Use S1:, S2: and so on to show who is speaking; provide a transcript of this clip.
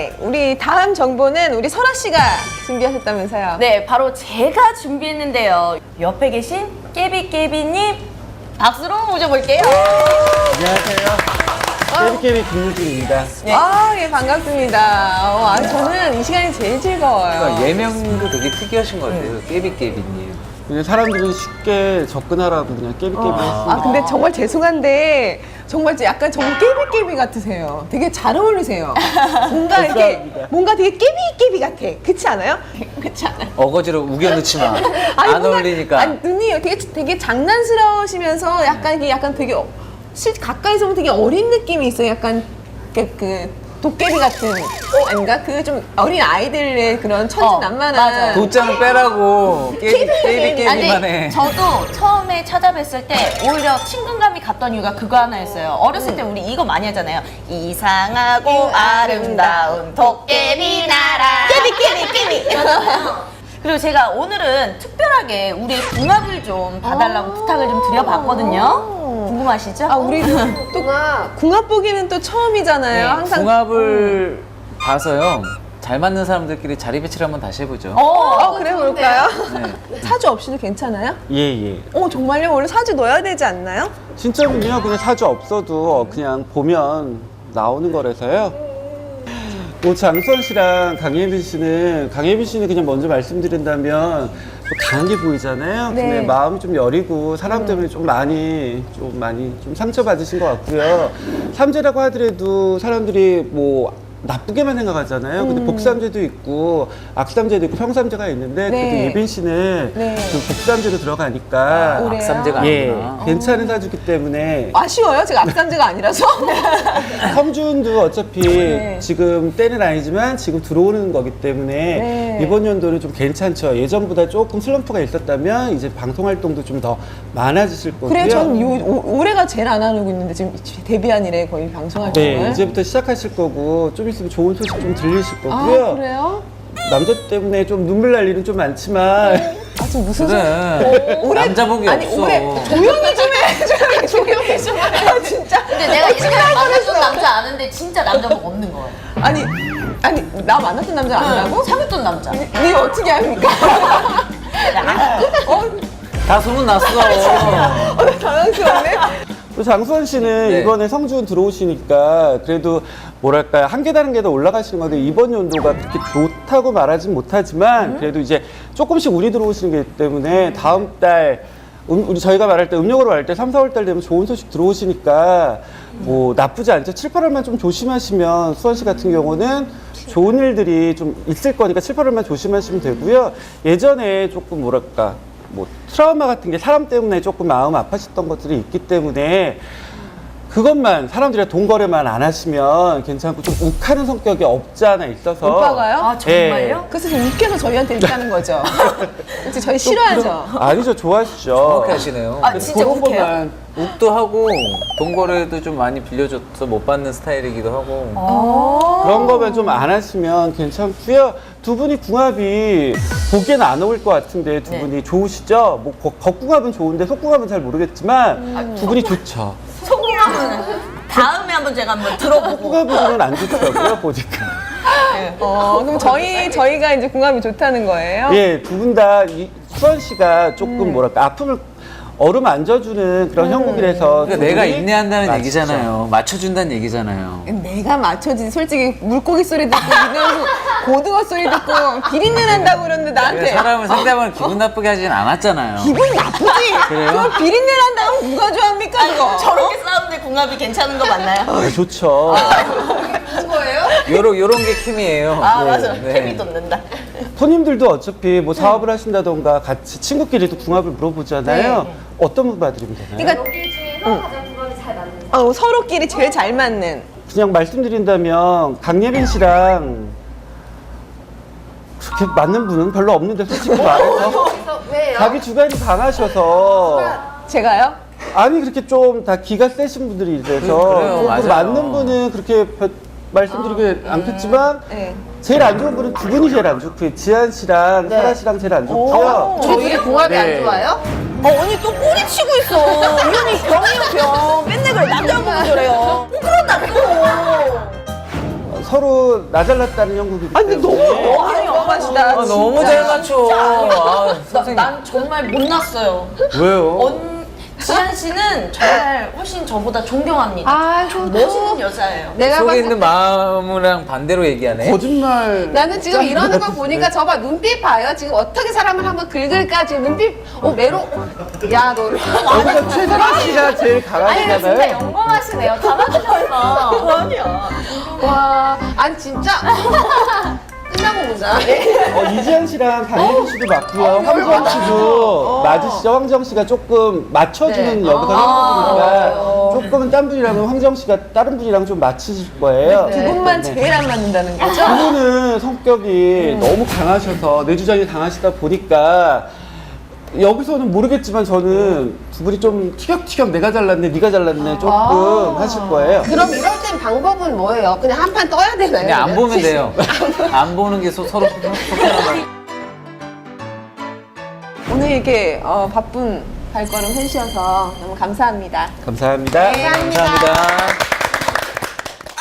S1: 네, 우리 다음 정보는 우리 설아 씨가 준비하셨다면서요?
S2: 네, 바로 제가 준비했는데요. 옆에 계신 깨비깨비님 박수로 모셔볼게요.
S3: 안녕하세요. 깨비깨비 김유진입니다.
S1: 예, 반갑습니다. 저는 이 시간이 제일 즐거워요.
S4: 그러니까 예명도 되게 특이하신 것 같아요. 깨비깨비님.
S3: 그냥 사람들이 쉽게 접근하라고 그냥 깨비깨비 했습니다.
S1: 근데 정말 죄송한데 정말 약간 정말 깨비깨비 같으세요. 되게 잘 어울리세요. 뭔가 이렇게
S3: 감사합니다.
S1: 뭔가 되게 깨비깨비 같아. 그렇지 않아요? 그렇지 않아요?
S4: 어거지로 우겨넣지 마. 안
S1: 뭔가-
S4: 어울리니까.
S1: 아니, 눈이 되게 장난스러우시면서 약간 이게 약간 되게 가까이서 보면 되게 어린 느낌이 있어요. 약간 그 도깨비 같은 아닌가? 그 좀 어린 아이들의 그런 천진난만한
S2: 맞아요.
S4: 도장을 빼라고 깨비깨비만 해.
S2: 아니, 저도 처음에 찾아뵀을 때 오히려 친근감이 갔던 이유가 그거 하나였어요. 어렸을 때 우리 이거 많이 하잖아요. 이상하고 아름다운 도깨비 나라. 깨비. 그리고 제가 오늘은 특별하게 우리의 궁합을 좀 봐달라고 부탁을 좀 드려봤거든요. 궁금하시죠?
S1: 우리 또 궁합 보기는 또 처음이잖아요.
S4: 네,
S1: 항상
S4: 궁합을 봐서요. 잘 맞는 사람들끼리 자리 배치를 한번 다시 해보죠.
S1: 그래 볼까요?
S4: 네.
S1: 사주 없이도 괜찮아요?
S3: 예.
S1: 정말요? 원래 사주 넣어야 되지 않나요?
S3: 진짜는요, 그냥 사주 없어도 그냥 보면 나오는 거라서요. 장수원 씨랑 강예빈 씨는 그냥 먼저 말씀드린다면 좀 강하게 보이잖아요.
S1: 네.
S3: 근데 마음이 좀 여리고 사람 때문에 좀 많이 상처받으신 것 같고요. 삼재라고 하더라도 사람들이 뭐 나쁘게만 생각하잖아요. 근데 복삼재도 있고 악삼재도 있고 평삼재가 있는데
S1: 네.
S3: 그래도 예빈 씨는
S1: 네.
S3: 좀 복삼재로 들어가니까
S1: 그래요?
S4: 악삼재가
S3: 예,
S4: 아니구나.
S3: 괜찮은 사주기 때문에
S1: 아쉬워요? 제가 악삼재가 아니라서?
S3: 성준도 어차피
S1: 네.
S3: 지금 때는 아니지만 지금 들어오는 거기 때문에
S1: 네.
S3: 이번 연도는 좀 괜찮죠. 예전보다 조금 슬럼프가 있었다면 이제 방송 활동도 좀 더 많아지실 거고요.
S1: 그래요. 전 올해가 제일 안 하고 있는데 지금 데뷔한 이래 거의 방송할
S3: 네,
S1: 때.
S3: 이제부터 시작하실 거고 좀 있으면 좋은 소식 좀 들리실 거고요.
S1: 그래요?
S3: 남자 때문에 좀 눈물 날 일은 좀 많지만
S1: 지금 무슨
S4: 그래. 남자복이
S1: 아니
S4: 없어.
S1: 올해 조용히 좀 해. 조용히 좀 해. 진짜.
S2: 근데 내가 이렇게 만났던 남자 아는데 진짜 남자복 없는 거예요.
S1: 아니 나 만났던 남자 아니라고?
S2: 사귀었던 남자.
S1: 니 어떻게 합니까?
S4: 다 소문났어.
S1: 당황스럽네.
S3: 또 장수원 씨는
S4: 네.
S3: 이번에 성준 들어오시니까 그래도 뭐랄까요 한 계단 한 계단 올라가시는 건데 이번 연도가 그렇게 좋다고 말하진 못하지만 그래도 이제 조금씩 운이 들어오시는 게 때문에 다음 달 우리 저희가 말할 때 음력으로 말할 때 3, 4월 달 되면 좋은 소식 들어오시니까 뭐 나쁘지 않죠. 7, 8월만 좀 조심하시면 수원 씨 같은 경우는 좋은 일들이 좀 있을 거니까 7, 8월만 조심하시면 되고요. 예전에 조금 뭐랄까 뭐 트라우마 같은 게 사람 때문에 조금 마음 아파셨던 것들이 있기 때문에 그것만 사람들이랑 돈 거래만 안 하시면 괜찮고 좀 욱하는 성격이 없지 않아 있어서
S1: 오빠가요?
S2: 아, 정말요?
S1: 그래서 좀 웃겨서 저희한테 이렇게 하는 거죠. 그치, 저희 싫어하죠.
S3: 아니죠 좋아하시죠.
S4: 정확히 하시네요.
S2: 아, 진짜
S3: 그런
S2: 욱해요?
S3: 것만
S4: 욱도 하고 돈 거래도 좀 많이 빌려줘서 못 받는 스타일이기도 하고.
S3: 그런 거면 좀 안 하시면 괜찮고요. 두 분이 궁합이 보기에는 안 어울릴 것 같은데 두
S2: 네.
S3: 분이 좋으시죠? 뭐 겉궁합은 좋은데 속궁합은 잘 모르겠지만 두 분이 좋죠.
S2: 소궁합은 다음에 한번 제가 한번 들어보고.
S3: 속궁합으로는 안 좋더라고요 보니까.
S1: 그럼 저희가 이제 궁합이 좋다는 거예요?
S3: 예, 두 분 다 수원 씨가 조금 뭐랄까 아픔을 어루만져주는 그런 형국이라서
S4: 그러니까
S3: 두
S4: 내가
S3: 분이
S4: 인내한다는
S3: 맞죠.
S4: 얘기잖아요. 맞춰준다는 얘기잖아요.
S1: 내가 맞춰지 솔직히 물고기 소리 듣고 이거 고등어 소리 듣고 비린내 난다고 그러는데 나한테
S4: 사람을 상대방을 기분 나쁘게 하진 않았잖아요.
S1: 기분 나쁘지?
S4: 그래요?
S1: 그럼 비린내 난다고 누가 좋아합니까 그거?
S2: 저렇게 싸우는데 궁합이 괜찮은 거 맞나요?
S3: 네, 좋죠.
S4: 요런 게 케미예요.
S2: 아,
S4: 네.
S2: 맞아.
S4: 네.
S2: 케미 돋는다.
S3: 손님들도 어차피 뭐 사업을 하신다던가 같이 친구끼리도 궁합을 물어보잖아요. 어떤 분 봐드리면 되나요?
S1: 그러니까
S5: 여기 중에서 가장 궁합이 잘 맞는
S1: 서로끼리 제일 잘 맞는
S3: 그냥 말씀드린다면 강예빈 씨랑 그렇게 맞는 분은 별로 없는데 솔직히 말해서
S5: 그래서 왜요?
S3: 자기 주관이 강하셔서
S1: 제가요?
S3: 아니 그렇게 좀 다 기가 세신 분들이 이래서
S4: 그래요,
S3: 조금
S4: 맞아요.
S3: 맞는 분은 그렇게 말씀드리기 않겠지만
S1: 네.
S3: 제일 안 좋은 분은 두 분이 제일 안 좋고요. 지한 씨랑 설아 씨랑 제일 안 좋고요.
S5: 저희 궁합이
S3: 네.
S5: 안 좋아요?
S2: 언니 또 꼬리 치고 있어. 이 언니 병이요, 병. 맨날 그래. 남자 보고 저래요. 또 그런다, 또.
S3: 서로 나 잘났다는 형국이기
S1: 아니 근데
S3: 때문에
S1: 너무 영화시다.
S4: 아, 너무 잘 맞춰. 아, 선생님.
S2: 난 정말 못났어요.
S3: 왜요?
S2: 지한 씨는 정말 훨씬 저보다 존경합니다.
S1: 아이고
S2: 멋있는 여자예요.
S1: 내가
S4: 속에
S1: 봤을
S4: 있는 마음이랑 반대로 얘기하네.
S3: 거짓말.
S6: 나는 지금 이러는 거 보니까 저봐 눈빛 봐요. 지금 어떻게 사람을 한번 긁을까 지금 눈빛 메로 야너
S3: 여기서 최선아 씨가 제일 강하시잖아요.
S2: 영광하시네요. 다 맞추셔서. 아니야.
S6: 와 아니 진짜 끝나고 보자.
S3: 이지현 씨랑 강혜진 씨도 맞고요. 황정 씨도 맞으시죠? 황정 씨가 조금 맞춰주는 역할을 하는 거니까 조금은 딴 분이랑은 황정 씨가 다른 분이랑 좀 맞추실 거예요.
S1: 두 분만 제일 안 맞는다는 거죠?
S3: 그분은 성격이 너무 강하셔서 내주장이 강하시다 보니까 여기서는 모르겠지만 저는 두 분이 좀 티격티격 내가 잘났네 네가 잘났네 조금 하실 거예요.
S6: 그럼 이럴 땐 방법은 뭐예요? 그냥 한 판 떠야 되나요?
S4: 그냥 안
S6: 그냥?
S4: 보면 돼요. 안 보는 게 서로 속상하다.
S1: 오늘 이렇게 바쁜 발걸음 해주셔서 너무 감사합니다.
S3: 감사합니다.
S4: 감사합니다.